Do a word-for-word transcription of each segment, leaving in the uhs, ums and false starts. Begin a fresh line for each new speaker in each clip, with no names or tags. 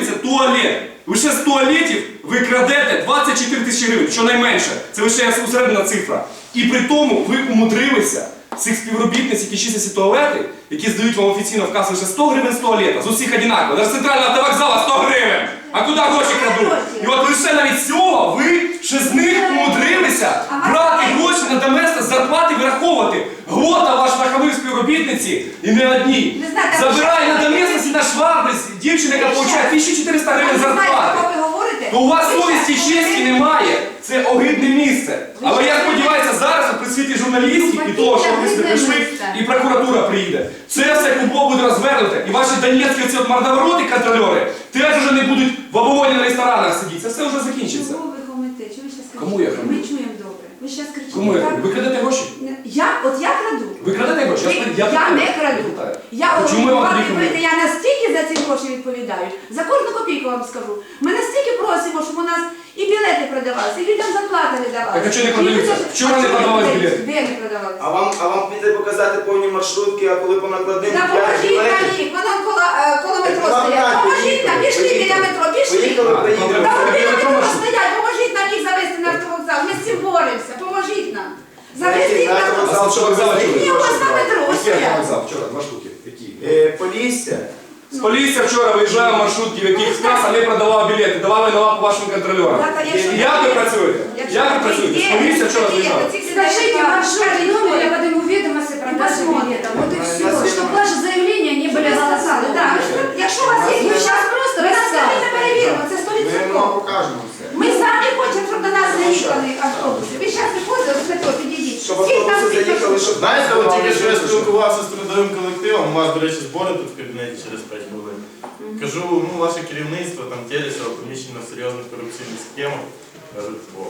будується туалет. Лише з туалетів ви крадете двадцять чотири тисячі гривень, щонайменше. Це лише усередина цифра. І при тому ви умудрилися цих співробітниць, які чистять туалети, які здають вам офіційно в касу лише сто гривень з туалета, з усіх одинаково. Навіть з центрального автовокзала сто гривень. А куди гроші крадуть? І от лише навіть цього ви ще з них умудрилися брати гроші на доместос, зарплати вираховувати. Глота ваш нахамив співробітниці і не одній. Забирає на доместос і на швабриць дівчина, яка отримує тисячу чотириста гривень зарплати. То у вас совісті і честі немає. Це огидне місце. Але я сподіваюся, зараз при світі журналістів і того, що ви сюди прийшли, і прокуратура приїде. Це все кубло буде розвернуте. І ваші донецькі оці от мордовороти контрольори теж вже не будуть в оболоні на ресторанах сидіти. Це все вже закінчиться.
Чого ви хамите? Чого ви зараз кричите?
Кому я хамлю?
Ми чуємо добре. Ви зараз кричите.
Кому я хамлю? Ви крадете гроші?
Я, от я краду.
Ви крадете гроші?
Ви,
Я,
я, я не краду. Я,
Чому я вам
вам,
тоді
ви, я настільки за ці гроші відповідаю. За кожну копійку вам скажу. Ми настільки просимо, щоб у нас і білети продавалися, і людям зарплати не давалися.
Так а чого не продаються? Вчора не продавались білети?
Де не продавалися?
А вам, а вам піде показати повні маршрутки, а коли по накладним
Да,
п'ять
поможіть
білетів?
нам їх, вона коло, е, коло метро
Вам
стоять.
так,
Поможіть нам, пішли
поїхали.
біля метро, пішли.
Поїхали, приїдемо.
Та вони
Біля
на
метро
метро
маршрут.
стоять, поможіть нам їх завести на автовокзал. Ми з цим боремося, поможіть нам. Завести їх на
Знаєте,
автовокзал.
Що вокзали чули?
Ні, у вас на метро
Який
стоять.
автовокзал? Вчора, два штуки. Які?
Е, Полісся.
З Полісся вчора виїжджав маршрутки, в яких каса не продавав білети, давали на лапу вашим контролерам.
Да, та якщо-
Як ви працюєте?
Якщо
Як ви працюєте? З
є,
Полісся вчора
такі є,
виїжджав.
такі
Скажите
сидять,
маршрутный
кажуть,
номер, я
«Ой,
подниму ведомости про продажу
посмотрим».
билета. Вот и
Да,
все.
я
Чтобы
знаю.
ваши заявления не были голосованы.
Да, ви ж- якщо у вас є,
Ми
ви
щас
зараз
просто
ви нас самі не
розказуємо.
перевіримо, це сто
Ми вам
відсотків.
покажемо все.
Ми самі хочемо, щоб до нас заїхали автобуси. Ви зараз виходили, з метро підійдіть.
Щоб
Скільки там
автобуси заїхали, щоб...
Знаєте, от тільки що я спілкувався з трудовим колективом, у вас, до речі, збори тут в кабінеті через п'ять хвилин. Кажу, ну, ваше керівництво, там, Телесова, поміщено в серйозних корупційних схемах. Кажуть, о.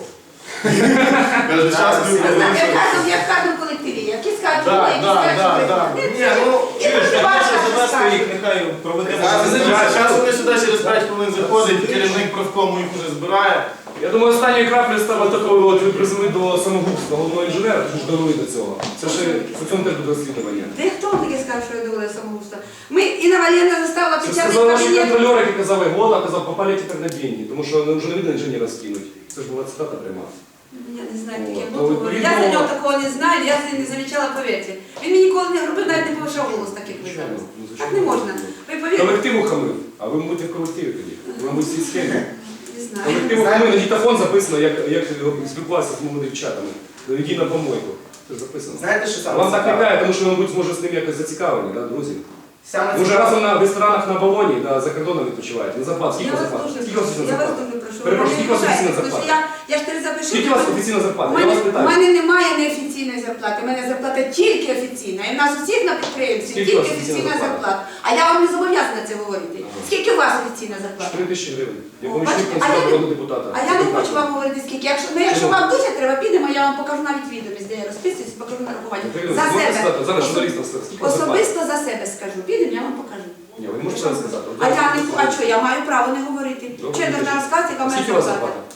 Каже, зараз ми
Я знаю,
будемо...
в кожному- я в кожному колективі, які скажуть,
Так,
які
так,
скажуть,
так,
що
так.
ви-
Ні, ну,
І
чуєш,
дуже
я
важко
хочу
щось
завести
скажуть.
їх, нехай проведемо.
Зараз
Зараз вони сюди через п'ять хвилин заходять, керівник профкому їх вже збирає.
Я думаю, останньою краплею стало такою, от ви призвели до самогубства головного інженера, тому що довели до цього. Це ж це цьому теж буде розслідування.
Ти хто таке сказав, що я довела самогубство? Ми, Інна Валеріївна заставила
Це
під час
сказали наші
кабінету.
контролери, які казали, Глота казав, попали тепер на деньги, тому що вже не видно інженера скинуть. Це ж була цитата пряма.
Я не знаю, таке
Ну,
було.
відповідно,
Я за нього такого не знаю, я за ним не замічала, повірте. Він мені ніколи не робив, навіть не повишав голос таких ви зараз.
Ну, звичайно.
Так не можна. Ви повірте,
Колективу хамив, а ви будете в колективі тоді. Ви будете всі схеми.
не знаю.
Колективу хамив, на дітафон записано, як, як спілкувався з моїми дівчатами. Наведіть на помойку. Це ж записано.
Знаєте, що саме
Вам так
цікаве?
лякає, тому що, мабуть, може з ним якось зацікавлені, да, друзі?
Саме
Ви вже
цікаве-
разом на в ресторанах на балоні, да, за кордоном відпочиваєте. На зарплату. Скільки
Я
у вас
вас
зарплата?
дуже
Скільки у вас
прошу,
офіційна
я вас
зарплата?
дуже прошу.
Перепрошую,
ви
скільки у вас
не
офіційна
ображайте, тому що
зарплата?
Я, я ж тебе запишу.
Скільки у вас офіційна
У
зарплата? Я
мене,
вас
у
питаю.
мене немає неофіційної зарплати, у мене зарплата тільки офіційна. І в нас усіх на підприємстві
Скільки у
тільки
вас офіційна
офіційна
зарплата?
зарплата. А я вам не зобов'язана це говорити. Скільки у вас офіційна зарплата?
Три тисячі гривень. Я
О,
помічник
бачите, а я
народного
не-
депутата.
А я не хочу вам говорити скільки. Якщо, ну, якщо
Чому?
вам дуже треба, підемо, я вам покажу навіть відомість, де я розписуюсь, покажу нарахування.
Ірина,
За
можете
себе.
сказати? Зараз
Особ-
журналістам сказати. Скільки у вас зарплата?
Особисто за себе скажу. Підемо, я вам покажу.
Ні, ви не можете зараз сказати.
А я не а що, я маю право не говорити.
Добре,
Чи я должна
кажіть.
розказати, яка в мене
Скільки у вас
зарплата?
зарплата?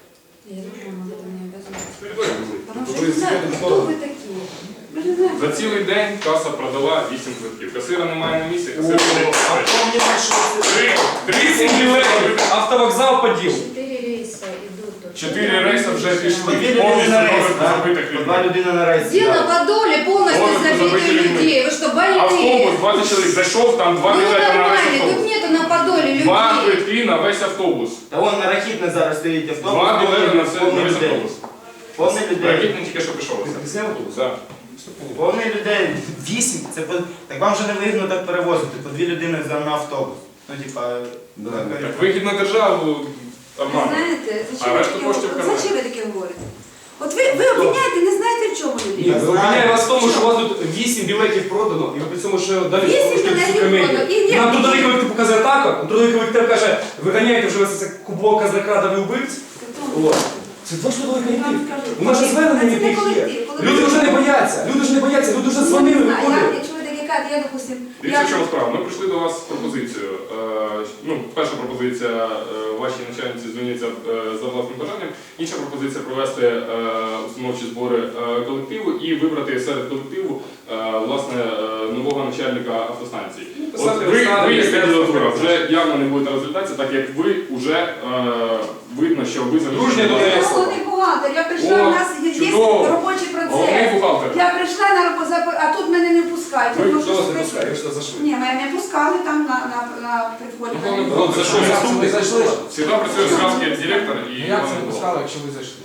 Я не знаю, это не обязательно.
Потому
Ви
що я не знаю,
секретний
хто
сторону.
ви такі. Ви ж не знаєте.
За цілий день каса продала вісім квитків. Касира немає на місці,
О,
касир сидить.
а помні маршрутки?
Три, три
Вісім білетів, автовокзал поділ.
Четыре рейса идут. тут.
Чотири рейси вже пішли.
По дві людини
Повністю
на рейс,
доверху
так?
забитих
По два
людей.
людини на рейс.
Дело
сідали.
по доле полностью
Полностью
забито
забиты людьми.
людей. Вы что,
Автобус,
больные?
двадцять чоловік зайшов, там два
Ну
білети на весь
нормально, тут
автобус.
нету на подоле
Два
людей.
квитки на весь автобус.
Та вон на Рахітне зараз стоїть автобус.
Два білети на все- на
повний
весь
людей.
автобус.
Повний людей.
Ракетний тільки що пішов.
Ти зняв автобус?
Так.
Повний людей. Вісім. Це по... Так вам же не вигідно так перевозити. По дві людини за на автобус. Ну, типа...
Да.
така-
Так вихід на державу
Ви
нормально.
знаєте, зачем
А
ви
решту
таке
коштів
говорите?
карман.
Зачем ви таке говорите? От ви, ви обвиняєте, не знаєте в чому
Ні,
людина.
ви обвиняєте вас в тому, що у вас тут вісім білетів продано, і ви при цьому ще далі
Вісім
порушуєте
білетів
всю комедію.
продано, і ні.
Нам трудовий колектив показує так, а трудовий колектив каже, виганяєте вже весь цей кублок казнокрадові вбивць. От. Це ваш трудовий колектив. У нас же звернення
Це не
яких є.
колектив, коли
Люди
ви-
вже не бояться, люди вже не бояться, люди вже дзвонили,
Ну, не знаю,
виходили.
я- Якщо ви таке кажете, я, допустим,
Дивіться,
я...
в чому справа. Ми прийшли до вас з пропозицією. Е, ну, перша пропозиція, е, вашій начальниці звільниться е, за власним бажанням. Інша пропозиція провести е, установчі збори е, колективу і вибрати серед колективу е, власне е, нового начальника автостанції. От ви, ви як кандидатура вже явно не будете розглядатися, так як ви вже е, видно, що ви
Дружня до
залишили.
неї.
Головний бухгалтер, я прийшла,
О,
у нас є, є
чудово.
робочий
Головний
процес.
бухгалтер.
Я прийшла на роботу, а тут мене не пускають.
Ви
Я можу
Хто вас не
сказати-
пускає? Ви що зайшли?
Ні, мене не пускали там на, на, на приході.
Ну, головний
Ну,
бухгалтер,
за що
що
ви
ви
зайшли?
Всегда працює зразу як директор і
Ну, як це
головний
не
бухгалтер.
пускали, якщо ви зайшли?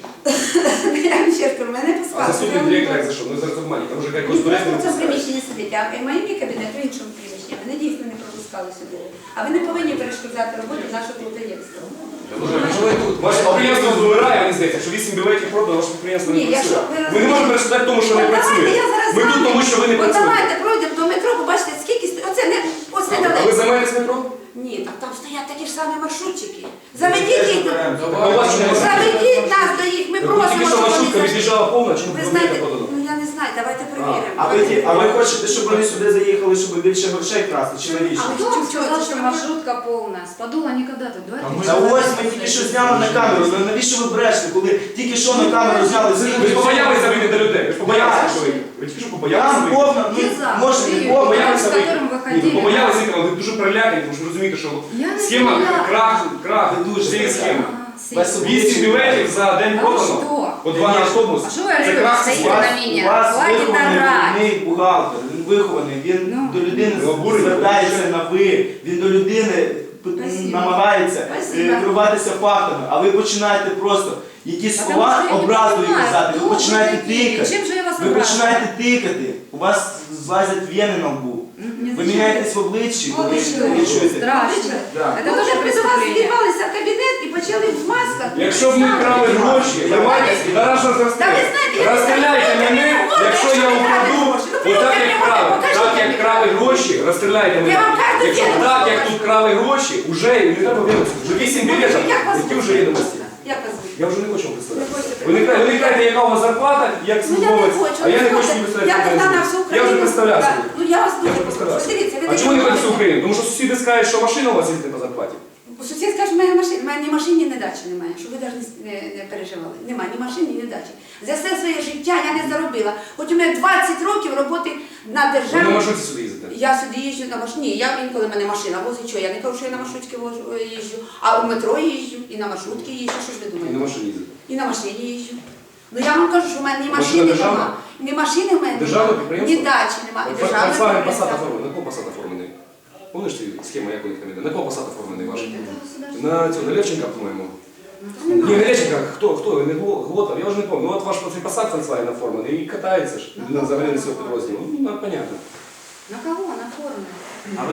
Я вам ще кажу, мене не
А
пускали.
заступник
Я
директора як
не-
зайшов? Ну зараз нормально, там вже
Він
якось
просто в цьому
порядку.
приміщенні сидить, а мої мій кабінет в іншому приміщенні. Мене дійсно не пропускали сюди. А ви не повинні перешкоджати роботу нашого підприємства.
Ваше підприємство вмирає, мені здається, що вісім білетів продано, ваше підприємство не
Ні, якщо
працює.
ви
Ми не можемо перешкодати тому, що не
От
працює.
давайте я зараз
Ми
з
тут
вами-
тому, що ви не
От
працюєте.
давайте пройдемо до метро, побачите, скільки сто- оце не ось
А ви
недалеко.
займаєтесь метро?
Ні, так там стоять такі ж самі маршрутчики. Заведіть їх.
А у вас що не
Заведіть нас до їх. Ми
Тільки
просимо,
що
щоб
маршрутка
вони зайшли.
від'їжджала повна, чи
Ви
не
знаєте,
подано?
ну я не знаю, давайте
А,
перевіримо.
а ви, ті- а ви хочете, щоб вони сюди заїхали, щоб більше грошей красти, чи навіщо?
А
Кто
Чё,
вам
чё,
сказал,
это
что
что,
маршрутка полная? С Подола никогда тут.
А
Давайте.
мы-
Та ось ми тільки що зняли на камеру. Ну, навіщо ви брешете, коли тільки що на камеру зняли?
Ви ж побоялися вийти до людей, ви ж побоялися, що вийти. Ви тільки що побоялися
Там
вийти.
повна, ну
Кіза,
може не
ти-
повна.
Побоялися
з
вийти.
которым ви
Ні, ви
ходили.
побоялися вийти, але ви дуже перелякані, тому що ви розумієте, що
Я не
схема
перелякана.
крах, крах,
Ви дуже
цієї схеми.
А,
Без
сильно.
Вісім білетів за день
А
продано,
що?
по два на автобус.
А що ви
Це
робите?
крах
Стоїте
системи.
на
У
мене?
вас
Хватит
вихований
орать.
головний бухгалтер, він вихований, він
Ну.
до людини
Ви обурені,
звертається на ви, він до людини п-
Спасибо.
намагається е,
Спасибо.
керуватися фактами, а ви починаєте просто якісь
Потому
слова
что я не
образливі
понимаю,
казати,
кто
ви
вы
починаєте
такие?
тикати,
Чем же я вас
ви
обрадовала?
починаєте тикати, у вас злазять вени на лбу, ви міняєтесь в обличчі, коли
ви
ви
що?
чуєте.
Страшно.
Да.
Это
Ми
тоже
вже при до вас
преступление.
з'їбалися в кабінет і почали в масках.
Якщо б ми крали гроші, давайте, зараз
Та ви
розстріляйте.
знаєте, я
Розстріляйте
не знаю,
мене,
я не можу,
якщо
якщо
я
ви крали
украду,
гроші. Ну,
отак
покажіть
як
мені,
крали,
покажіть
так як
мені.
крали гроші, розстріляйте мене.
Я вам кажу,
Якщо
я не
так,
можу.
як тут крали гроші, вже не треба вірити. Вже вісім білетів,
Як вас
які вже
звуть?
відомості.
Як вас звуть?
Я вже не хочу вам
Не
представляти.
хочете
Ви не кажете, ви не кажете, яка у вас зарплата, як
Ну я не
службовець,
хочу,
а я не
ну,
хочу
слухайте,
собі представляти.
я
яка
казала на
різниця.
всю
Я
Україну.
вже представлявся.
Так, Ну я вас
Я
дуже
вже
прошу.
представлявся.
Дивіться, ви
А
такі
чому не хочете
молоді.
Україну? Тому що сусіди скажуть, що машина у вас їздить по зарплаті.
Сусід скаже, в мене машини, в мене ні машини, ні дачі немає, щоб ви навіть не, не переживали. Немає ні машини, ні дачі. За все своє життя я не заробила. Хоч у мене двадцять років роботи на
Ви на
державі.
маршруті сюди їздите.
Я сюди їжджу на машині. Я інколи в мене машина возить, що я не кажу, що я на маршрутці вожу- їжджу, а у метро їжджу, і на маршрутці їжджу. Що ж ви
І на
думаєте?
машині їздите.
І на машині їжджу. Ну я вам кажу, що в мене ні
Машина
машини
державна?
нема, ні машини в мене
Державне
нема,
підприємство?
ні дачі немає. І державне
Volkswagen Passat
підприємство.
оформлений. На кого Passat оформлений? Помниш ти схема, як у них там іде? На кого Passat оформлений ваш?
Это государство.
На цього, на Левченка, по-моєму. Ні, не Левченка, хто, хто, не Гло- Глотов, я вже не пам'ятаю. Ну от ваш цей Passat Volkswagen оформлений і катається ж. Людина взагалі не свого підрозділу. Ну, ну, понятно.
На кого? На форме.